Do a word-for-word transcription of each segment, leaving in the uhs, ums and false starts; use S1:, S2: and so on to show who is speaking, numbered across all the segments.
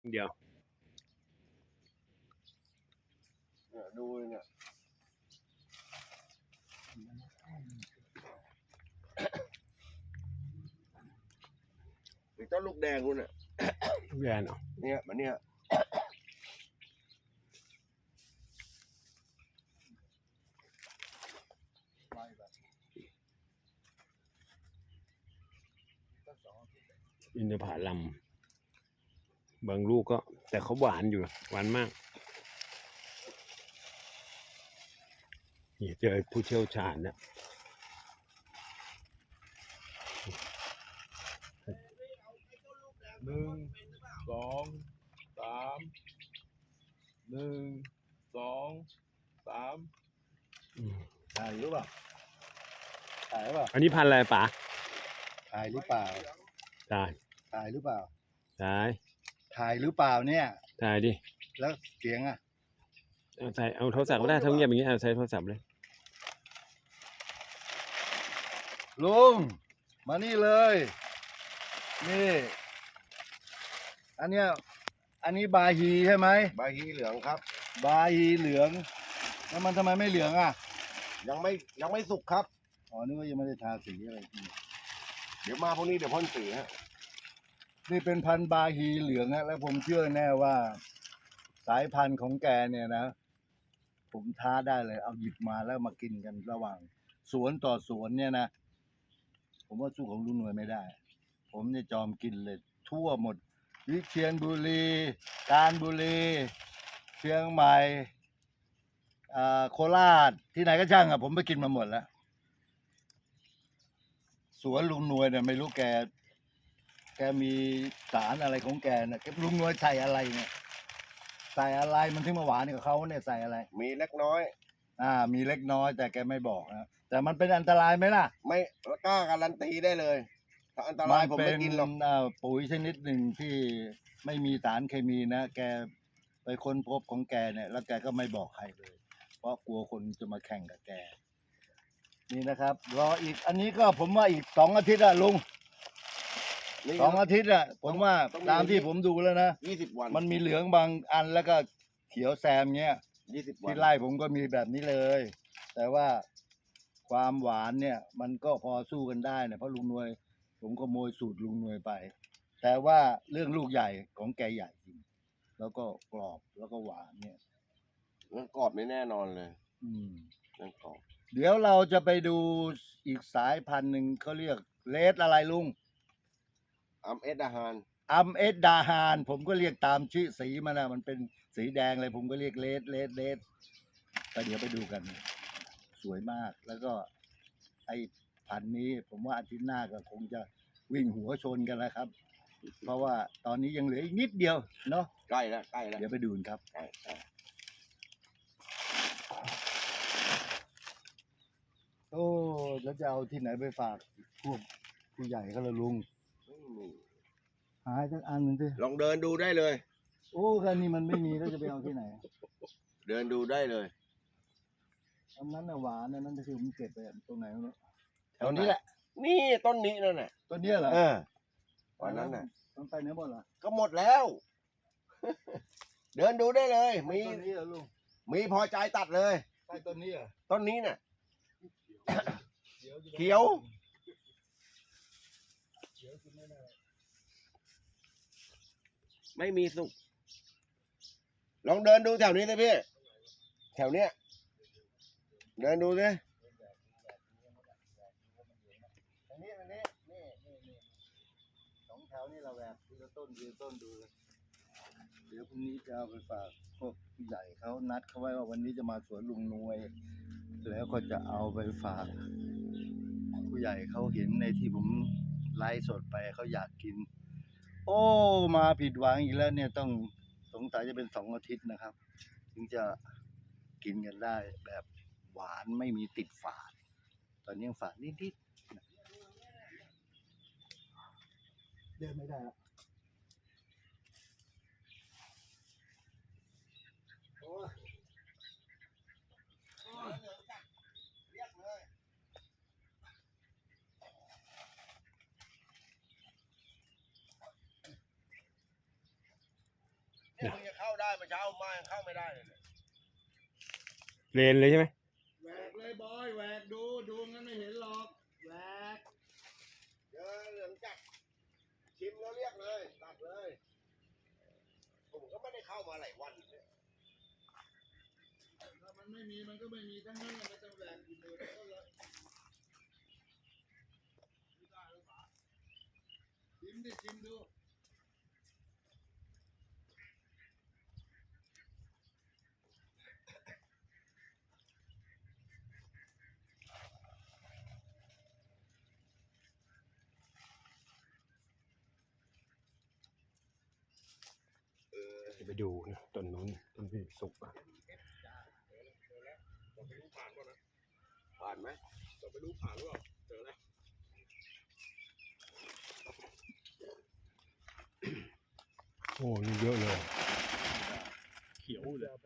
S1: เดี๋ยว
S2: ดูเนี่ยเจ้าลูกแดงคุณเนี่ย
S1: แดงเนาะ
S2: เนี่ยมันเนี่ย
S1: อินทผลัมบางลูกก็แต่เขาหวานอยู่หวานมากนี่เจอผู้เชี่ยวชาญนะ
S3: หนึ่งสองสามหนึ่งสองสามถ่ายหรือเปล่าถ่ายหรือเปล่า
S1: อันนี้พันธุ์อะไรป๋า
S3: ถ่ายหรือเปล่า
S1: ถ่าย
S3: ถ่ายหรือเปล่า
S1: ถ่าย
S3: ถ่ายหรือเปล่าเนี่ย
S1: ถ่ายดิ
S3: แล้วเสียงอ่ะ
S1: เอาใส่เอาโทรศัพท์ก็ได้ถ้าเงียบอย่างนี้เอาใส่โทรศัพท์เลย
S3: ลุงมานี่เลยนี่อันเนี้ยอันนี้บาฮีใช่ไหม
S2: ใบฮีเหลืองครับ
S3: บาฮีเหลืองแล้วมันทำไมไม่เหลืองอ่ะ
S2: ยังไม่ยังไม่สุกครับ
S3: อ๋อนึกว่ายังไม่ได้ทาสีอะไร
S2: เดี๋ยวมาพวกนี้เดี๋ยวพ่นสีฮะ
S3: นี่เป็นพันธุ์บาฮีเหลืองฮะแล้วผมเชื่อแน่ว่าสายพันธุ์ของแกเนี่ยนะผมท้าได้เลยเอาหยิบมาแล้วมากินกันระหว่างสวนต่อสวนเนี่ยนะผมว่าสู้ของลุงหน่วยไม่ได้ผมเนี่ยจอมกินเลยทั่วหมดวิเชียรบุรีกาญบุรีเชียงใหม่โคราชที่ไหนก็ช่างอ่ะผมไปกินมาหมดแล้วสวนลุงหน่วยเนี่ยไม่รู้แกแกมีสารอะไรของแกนะแกลุงหน่วยใส่อะไรเนี่ยใส่อะไรมันถึงมาหวานกับเขาเนี่ยใส่อะไร
S2: มีเล็กน้อย
S3: อ่ามีเล็กน้อยแต่แกไม่บอกนะแต่มันเป็นอันตรายไหมล่ะ
S2: ไม่กล้าการันตีได้เลยถ้าอันตรายผมไม่กินหรอก
S3: ปุ๋ยชนิดหนึ่งที่ไม่มีสารเคมีนะแกไปค้นพบของแกเนี่ยแล้วแกก็ไม่บอกใครเลยเพราะกลัวคนจะมาแข่งกับแกนี่นะครับรออีกอันนี้ก็ผมว่าอีกสองอาทิตย์อะลุงสองอาทิตย์อะผมว่าตามที่ผมดูแล้วนะ
S2: ยี่สิบวัน
S3: มันมีเหลืองบางอันแล้วก็เขียวแซมเงี้ย
S2: ยี่สิบวัน
S3: ที่ไร่ผมก็มีแบบนี้เลยแต่ว่าความหวานเนี่ยมันก็พอสู้กันได้เนี่ยเพราะลุงนวยผมขโมยสูตรลุงนวยไปแต่ว่าเรื่องลูกใหญ่ของแกใหญ่จริงแล้วก็กรอบแล้วก็หวานเนี่ย
S2: เรื่องกรอบไม่แน่นอนเลย
S3: อืม
S2: เรื่องกรอบ
S3: เดี๋ยวเราจะไปดูอีกสายพันธุ์หนึ่งเขาเรียกเลดอะไรลุง
S2: อัมเอสดาฮาน
S3: อัมเอสดาฮานผมก็เรียกตามชื่อสีมันนะมันเป็นสีแดงเลยผมก็เรียกเลดเลดเลดแต่เดี๋ยวไปดูกันสวยมากแล้วก็ไอ้พันธุ์นี้ผมว่าอาทิตย์หน้าก็คงจะวิ่งหัวชนกันแล้วครับเพราะว่าตอนนี้ยังเหลืออีกนิดเดียวเนาะ
S2: ใกล้แล้วใกล้แล้ว
S3: เดี๋ยวไปดูกันครับ
S2: ใกล้ใกล้
S3: โอ้แล้วจะเอาที่ไหนไปฝากพวกผู้ใหญ่เขาละลุงหายสักอันหนึ่งสิ
S2: ลองเดินดูได้เลย
S3: โอ้คันนี้มันไม่มีแล้วจะไปเอาที่ไหน
S2: เดินดูได้เลย
S3: อันนั้นน่ะหวานอันนั้นคือผมเก็บไปตรงไหนไม่รู้
S2: แถวนี้แหละนี่ต้นนี้นั่นแหละ
S3: ต้นนี้เหรอ
S2: เออวันนั้นน่ะ
S3: มันไปไหนหมดล่ะ
S2: ก็หมดแล้วเดินดูได้เลยมี
S3: ต้นนี้เหรอลุง
S2: มีพอใจตัดเลย
S3: ใต้ต้นนี้เหรอ
S2: ต้นนี้น่ะเขียวไม่มีสุกลองเดินดูแถวนี้เลยพี่แถวเนี้ยเดินดูสิ
S3: อันนี้อันนี้นี่นี่นี่สองแถวนี่เราแหวกทีละต้นทีละต้นดูเลยเดี๋ยวพรุ่งนี้จะเอาไปฝากพวกผู้ใหญ่เขานัดเขาไว้ว่าวันนี้จะมาสวนลุงนวยแล้วก็จะเอาไปฝากผู้ใหญ่เขาเห็นในที่ผมไลฟ์สดไปเขาอยากกินโอ้มาผิดหวังอีกแล้วเนี่ยต้องสงสัยจะเป็นสองอาทิตย์นะครับถึงจะกินกันได้แบบหวานไม่มีติดฝาดตอนนี้ยังฝาดนิดๆเดินไม่ได้แล้ว
S2: เนี่ยมึงจะเข้าได้เมื่อเช้ามายังเข้าไม่ได้เลยเนี่ย
S1: เลนเลยใช่ไหม
S3: แหวกเลยบอยแหวกดูดูงั้นไม่เห็นหรอกแหวก
S2: เจอเหลืองจัดชิมแล้วเรียกเลยตัดเลยผมก็ไม่ได้เข้ามาหลายวันเนี่ย
S3: ถ้ามันไม่มีมันก็ไม่มีทั้งนั้นแหละไม่ต้องแหวกอยู่เลยก็เลยไม่ได้หรือเปล่าชิมดิชิมดู
S1: ไปดูนะต้นนู้นต้นที่สุกอ่ะ
S2: ผ่านไหม
S4: แต่ไม่รู้ผ่านหรือเปล่าเจอแล้ว
S1: โอ้นี่เยอะเลย
S4: เขียวเลย
S3: พ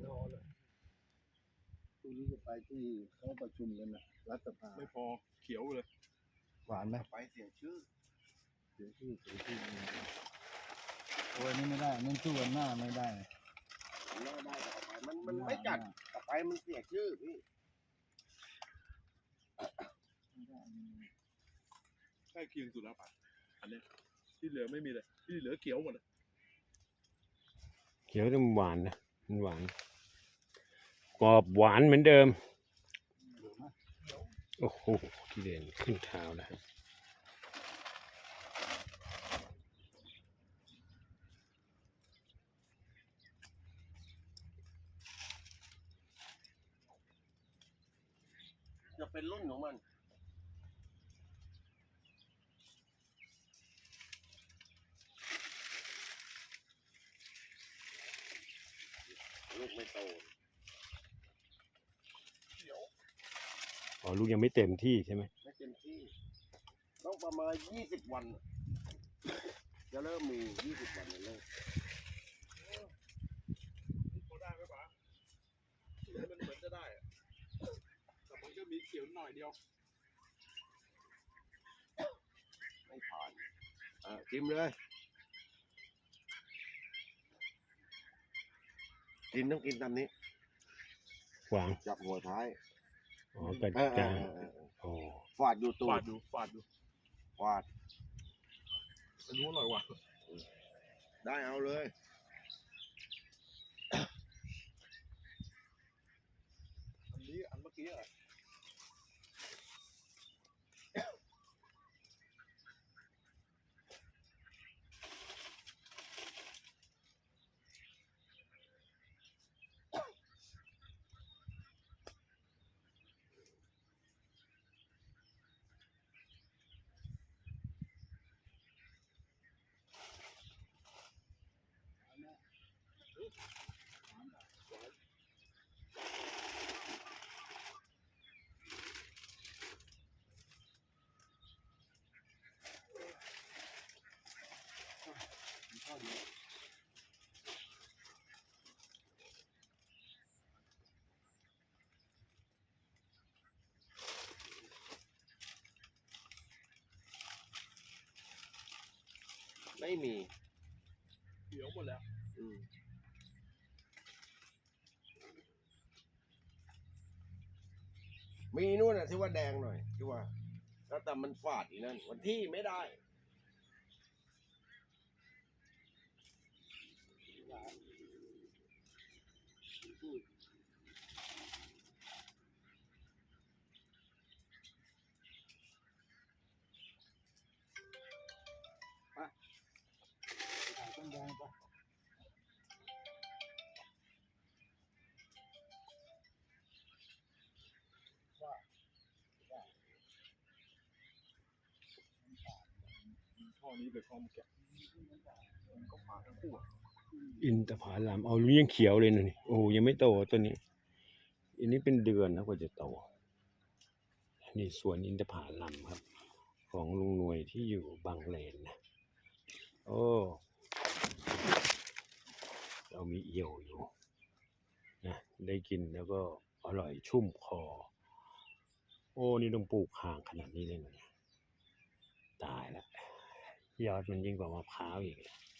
S3: รุ่งนี้จะไปที่เขาประชุมกันนะรัฐสภา
S4: ไม่พอเขียวเลย
S3: หวานไหม
S2: ไปเสียงชื่อ
S3: เสียชื่อเสียชื่อโอ้ยนี่ไม่ได้นี่สู้กันหน้าไม่ได้
S2: ไม่ได้ต่อไปมันมันไม่จัดต่อไปมันเสียชื่อพี่
S4: ใกล้เคียงสุดแล้วป่ะอันเนี้ยที่เหลือไม่มีเลยที่เหลือเขียวหมดเลย
S1: เขียวแต่มันหวานนะมันหวานกรอบหวานเหมือนเดิมโอ้โหที่เด่นขึ้นเท้าแล้ว
S2: จะเป็นรุ่นของมันลูกไม่โต
S1: อ๋อลูกยังไม่เต็มที่ใช่ไหม
S2: ไม่เต็มที่ต้องประมาณยี่สิบวัน จะเริ่มมียี่สิบวันเลย
S4: พอได้ไหมป่ะมันเหมือนจะได้อะแต่มันก็มีเขียวหน่อยเดียว
S2: ไม่ผ่านอ่ะชิมเลย กินต้องกินตามนี้
S1: วาง
S2: จับหัวท้าย
S1: อ๋อกระ
S2: เออเอ
S1: จา
S2: อง เออเออ
S1: โอ้
S2: ฟาดอยู่ตู
S4: ฝา
S2: ด
S4: ดดูฝาดดู
S2: ฟาด
S4: อันนู้นอร่อยกว่า
S2: ได้เอาเลย
S4: อันนี้อันเมื่อกี้อะ
S2: ไม่มี
S4: เขียวหมดแล้ว
S2: อืมมีนู่นน่ะที่ว่าแดงหน่อยที่ว่าแล้วแต่มันฝาดอีนั่นวันที่ไม่ได้
S3: ต้นแดงปะ
S4: ข้อนี้เลยข้อเมื่อกี้มันก็ผ่านทั้งคู่อะ
S1: อินทผลัมเอาลูกยังเขียวเลยนะนี่โอ้ยังไม่โตตัวนี้ อันนี้เป็นเดือนนะกว่าจะโตนี่สวนอินทผลัมครับ ของลุงหน่วยที่อยู่บางเลนนะโอ้เรามีเอี่ยวอยู่นะได้กินแล้วก็อร่อยชุ่มคอ โอ้นี่ต้องปลูกห่างขนาดนี้เลยนะตายแล้วยอดมันยิ่งกว่ามะพร้าวอีก